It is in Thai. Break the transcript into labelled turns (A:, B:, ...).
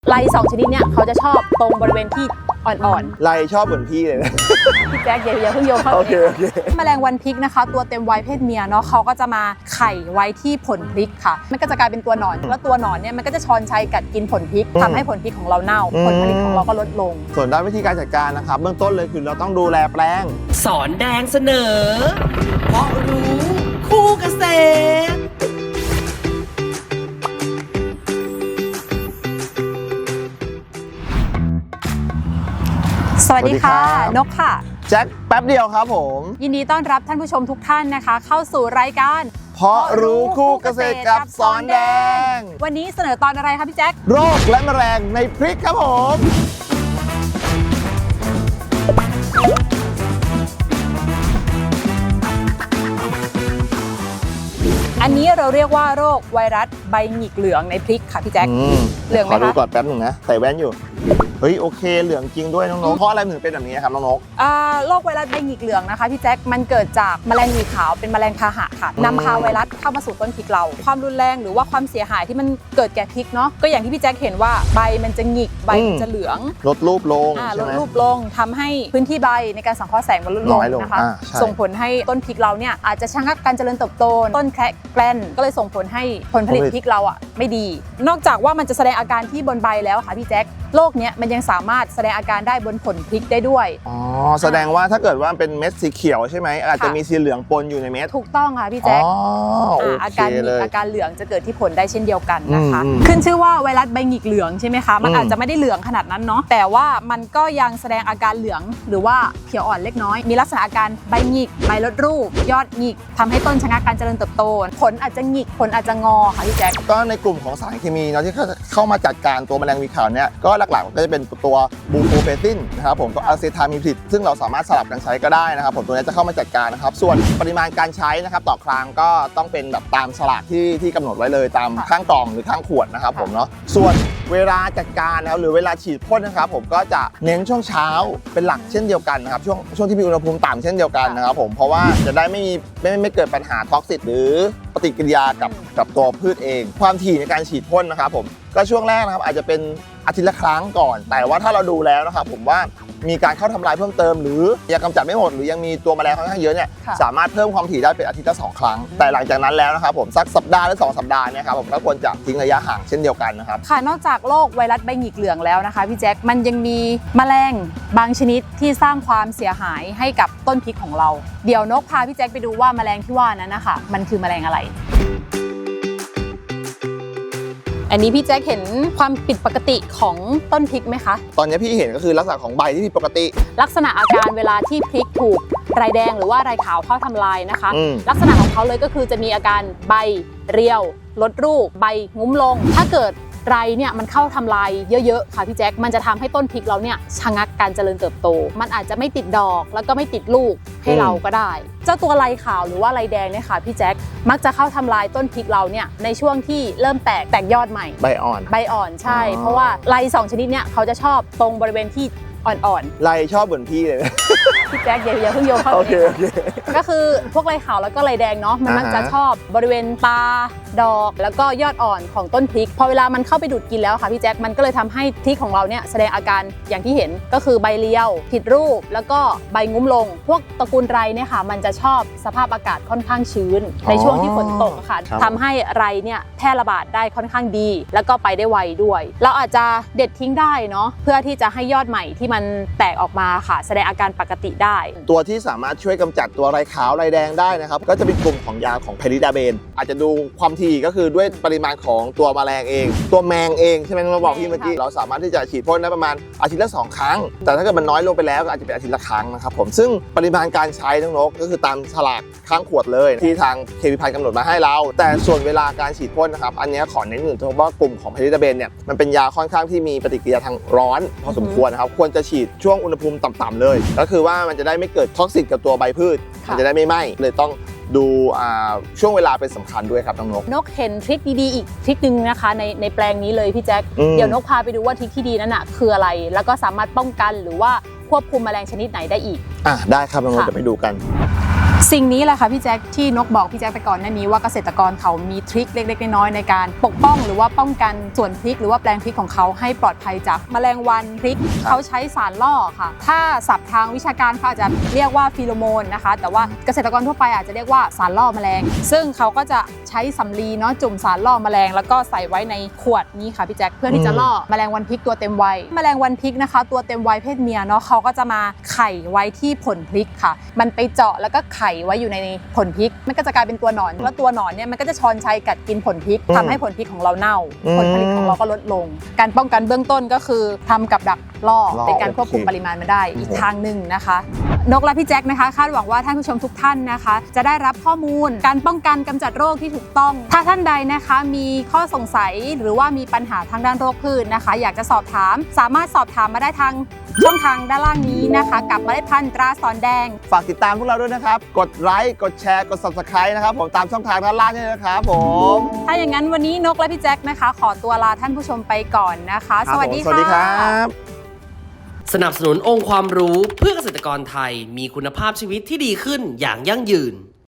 A: ไร2ชนิดเนี่ยเขาจะชอบตรงบริเวณที่อ่อน
B: ไรชอบเหมือนพี่เลยนะ
A: ๆพี่แจ๊คอย่าเพิ่งโยงเข้า
B: โอเค
A: แมลงวันพริกนะคะตัวเต็มวัยเพศเมียเนาะเขาก็จะมาไข่ไว้ที่ผลพริกค่ะมันก็จะกลายเป็นตัวหนอนแล้วตัวหนอนเนี่ยมันก็จะชอนชัยกัดกินผลพริกทำให้ผลพริกของเราเน่าผลผลิตของเราก็ลดลง
B: ส่วนด้านวิธีการจัดการนะครับเบื้องต้นเลยคือเราต้องดูแลแปลง
C: สอนแดงเสนอเพราะรู้คู่เกษตร
A: สวัสดีค่ะนกค่ะ
B: แจ็คแป๊บเดียวครับผม
A: ยินดีต้อนรับท่านผู้ชมทุกท่านนะคะเข้าสู่รายการ
B: เพราะรู้คู่เกษตรกับสอนแดง
A: วันนี้เสนอตอนอะไรครับพี่แจ็ค
B: โรคและแมลงในพริกครับผม
A: อันนี้เราเรียกว่าโรคไวรัสใบหงิกเหลืองในพริกค่ะพี่แจ็คเหลืองไหมคะ
B: ขอดูก่อนแป๊บหนึ่งนะใส่แว่นอยู่เฮ้ยโอเคเหลืองจริงด้วยน้องๆเพราะอะไรถึงเป็นแบบนี้ครับน้องนก
A: โรคไวรัสใบหงิกเหลืองนะคะพี่แจ็คมันเกิดจากแมลงหวีขาวเป็นแมลงพาหะค่ะนำพาไวรัสเข้ามาสู่ต้นพริกเราความรุนแรงหรือว่าความเสียหายที่มันเกิดแก่พริกเนาะก็อย่างที่พี่แจ็คเห็นว่าใบมันจะหงิกใบมันจะเหลือง
B: ลดรูปลง
A: ลดรูปลงทำให้พื้นที่ใบในการสังเคราะห์แสงมันลดลงนะคะส่งผลให้ต้นพริกเราเนี่ยอาจจะชะงักการเจริญเติบโตต้นแคระแกลนก็เลยส่งผลให้ผลผลิตพริกเราอ่ะไม่ดีนอกจากว่ามันจะแสดงอาการที่บนใบแล้วค่ะพี่แจ็คโรคนี้มันยังสามารถแสดงอาการได้บนผลพริกได้ด้วย
B: อ๋อแสดงว่าถ้าเกิดว่าเป็นเม็ดสีเขียวใช่ไหมอาจจะมีสีเหลืองปนอยู่ในเม็ด
A: ถูกต้องค่ะพี่แจ๊คอาการเหลืองจะเกิดที่ผลได้เช่นเดียวกันนะคะขึ้นชื่อว่าไวรัสใบหงิกเหลืองใช่ไหมคะมันอาจจะไม่ได้เหลืองขนาดนั้นเนาะแต่ว่ามันก็ยังแสดงอาการเหลืองหรือว่าเขียวอ่อนเล็กน้อยมีลักษณะอาการใบหงิกใบลดรูปยอดหงิกทำให้ต้นชะงักการเจริญเติบโตผลอาจจะหงิกผลอาจจะงอค่ะพี่แจ๊ค
B: ก็ในกลุ่มของสารเคมีเนาะที่เข้ามาจัดการตัวแมลงวีขาวเนี่ยก็หลักๆก็จะเป็นตัวบูโฟเฟตินนะครับผมก็อะเซทามิพริดซึ่งเราสามารถสลับกันใช้ก็ได้นะครับผมตัวนี้จะเข้ามาจัดการนะครับส่วนปริมาณการใช้นะครับต่อครั้งก็ต้องเป็นแบบตามฉลากที่กำหนดไว้เลยตามข้างกล่องหรือข้างขวดนะครับผมเนาะส่วนเวลาจัดการนะครับหรือเวลาฉีดพ่นนะครับผมก็จะเน้นช่วงเช้าเป็นหลักเช่นเดียวกันนะครับช่วงที่มีอุณหภูมิต่ำเช่นเดียวกันนะครับผมเพราะว่าจะได้ไม่เกิดปัญหาท็อกซิตหรือปฏิกิริยากับตัวพืชเองความถี่ในการฉีดพ่นนะครับผมก็ช่วงแรกนะครับอาจจะเป็นอาทิตย์ละครั้งก่อนแต่ว่าถ้าเราดูแล้วนะครับผมว่ามีการเข้าทำลายเพิ่มเติมหรือยังกำจัดไม่หมดหรือยังมีตัวแมลงค่อนข้างเยอะเนี่ยสามารถเพิ่มความถี่ได้เป็นอาทิตย์ละ2 ครั้งแต่หลังจากนั้นแล้วนะครับผมสักสัปดาห์หรือ2 สัปดาห์เนี่ยครับผมก็ควรจะทิ้งระยะห่างเช่นเดียวกันนะครับ
A: ค่ะนอกจากโรคไวรัสใบหงิกเหลืองแล้วนะคะพี่แจ็คมันยังมีแมลงบางชนิดที่สร้างความเสียหายให้กับต้นพริกของเราเดี๋ยวนกพาพี่แจ็คไปดูว่าแมลงที่ว่านั้นนะคะมันคือแมลงอะไรอันนี้พี่แจ็คเห็นความผิดปกติของต้นพริกไหมคะ
B: ตอนนี้พี่เห็นก็คือลักษณะของใบที่ผิดปกติ
A: ลักษณะอาการเวลาที่พริกถูกไรแดงหรือว่าไรขาวเข้าทำลายนะคะลักษณะของเขาเลยก็คือจะมีอาการใบเรียวลดรูปใบงุ้มลงถ้าเกิดไรเนี่ยมันเข้าทำลายเยอะๆค่ะพี่แจ็คมันจะทำให้ต้นพริกเราเนี่ยชะงักการเจริญเติบโตมันอาจจะไม่ติดดอกแล้วก็ไม่ติดลูกให้เราก็ได้เจ้าตัวไรขาวหรือว่าไรแดงเนี่ยค่ะพี่แจ็คมักจะเข้าทำลายต้นพริกเราเนี่ยในช่วงที่เริ่มแตกยอดใหม่
B: ใบอ่อน
A: ใช่เพราะว่าไร2ชนิดเนี่ยเขาจะชอบตรงบริเวณที่อ่อน
B: ๆไรชอบเหมือนพี่เลย
A: พี่แจ๊คอย่าเพิ่งโยงเข้าก็คือพวกไรขาวแล้วก็ไรแดงเนาะมันมักจะชอบบริเวณตาดอกแล้วก็ยอดอ่อนของต้นพริกพอเวลามันเข้าไปดูดกินแล้วค่ะพี่แจ๊คมันก็เลยทำให้พริกของเราเนี่ยแสดงอาการอย่างที่เห็นก็คือใบเลี้ยวผิดรูปแล้วก็ใบงุ้มลงพวกตระกูลไรเนี่ยค่ะมันจะชอบสภาพอากาศค่อนข้างชื้นในช่วงที่ฝนตกค่ะทำให้ไรเนี่ยแพร่ระบาดได้ค่อนข้างดีแล้วก็ไปได้ไวด้วยเราอาจจะเด็ดทิ้งได้เนาะเพื่อที่จะให้ยอดใหม่ที่มันแตกออกมาค่ะแสดงอาการปกติได้
B: ตัวที่สามารถช่วยกำจัดตัวไรขาวไรแดงได้นะครับก็จะเป็นกลุ่มของยาของเพริดาเบนอาจจะดูความถี่ก็คือด้วยปริมาณของตัวแมลงเองตัวแมงเองใช่ไหมเราบอกพี่เมื่อกี้เราสามารถที่จะฉีดพ่นได้ประมาณอาทิตย์ละ2 ครั้งแต่ถ้าเกิดมันน้อยลงไปแล้วก็อาจจะเป็นอาทิตย์ละครั้งนะครับผมซึ่งปริมาณการใช้น้องนกก็คือตามฉลากข้างขวดเลยที่ทางเคมีภัณฑ์กำหนดมาให้เราแต่ส่วนเวลาการฉีดพ่นนะครับอันนี้ขอเน้นหนึ่งเพราะว่ากลุ่มของเพริดาเบนเนี่ยมันเป็นยาค่อนข้างที่มีปฏิกิริยาทางร้อนพอสมควรนะครับควรจะฉีดช่วงอุณหภูมิต่ำๆเลยก็คือว่ามันจะได้ไม่เกิดท็อกซิกกับตัวใบพืชมันจะได้ไม่ไหม้เลยต้องดูช่วงเวลาเป็นสำคัญด้วยครับน้องน
A: กเห็นทริคดีๆอีกทริคนึงนะคะในแปลงนี้เลยพี่แจ็คเดี๋ยวนกพาไปดูว่าทริคที่ดีนั้นน่ะคืออะไรแล้วก็สามารถป้องกันหรือว่าควบคุมแมลงชนิดไหนได้อีก
B: ได้ครับน้องนกจะไปดูกัน
A: สิ่งนี้แหละค่ะพี่แจ็คที่นกบอกพี่แจ็คไปก่อนหน้านี้ว่าเกษตรกรเขามีทริคเล็กๆน้อยๆในการปกป้องหรือว่าป้องกันสวนพริกหรือว่าแปลงพริกของเขาให้ปลอดภัยจากแมลงวันพริกเขาใช้สารล่อค่ะถ้าศัพท์ทางวิชาการเขาอาจจะเรียกว่าฟีโรโมนนะคะแต่ว่าเกษตรกรทั่วไปอาจจะเรียกว่าสารล่อแมลงซึ่งเขาก็จะใช้สำลีเนาะจุ่มสารล่อแมลงแล้วก็ใส่ไว้ในขวดนี้ค่ะพี่แจ็คเพื่อที่จะล่อแมลงวันพริกตัวเต็มวัยแมลงวันพริกนะคะตัวเต็มวัยเพศเมียเนาะเขาก็จะมาไข่ไว้ที่ผลพริกค่ะมันไปเจาะแล้วก็ไข่ไว้อยู่ในผลพริกมันก็จะกลายเป็นตัวหนอนแล้วตัวหนอนเนี่ยมันก็จะชอนชัยกัดกินผลพริกทำให้ผลพริกของเราเน่าผลผลิตของเราก็ลดลงการป้องกันเบื้องต้นก็คือทำกับดักล่อในการควบคุมปริมาณมันได้อีกทางหนึ่งนะคะนกและพี่แจ็คนะคะคาดหวังว่าท่านผู้ชมทุกท่านนะคะจะได้รับข้อมูลการป้องกันกำจัดโรคที่ถูกต้องถ้าท่านใดนะคะมีข้อสงสัยหรือว่ามีปัญหาทางด้านโรคพืชนะคะอยากจะสอบถามสามารถสอบถามมาได้ทางช่องทางด้านล่างนี้นะคะกับเมล็ดพันธุ์ตราสอนแดง
B: ฝากติดตามพวกเราด้วยนะครับกดไลค์กดแชร์กด Subscribe นะครับผมตามช่องทางด้านล่างนี่นะครับผม
A: ถ้าอย่างนั้นวันนี้นกและพี่แจ็คนะคะขอตัวลาท่านผู้ชมไปก่อนนะคะสวัสดีค่ะ
B: สวัสดีครับ
C: สนับสนุนองค์ความรู้เพื่อเกษตรกรไทยมีคุณภาพชีวิตที่ดีขึ้นอย่างยั่งยืน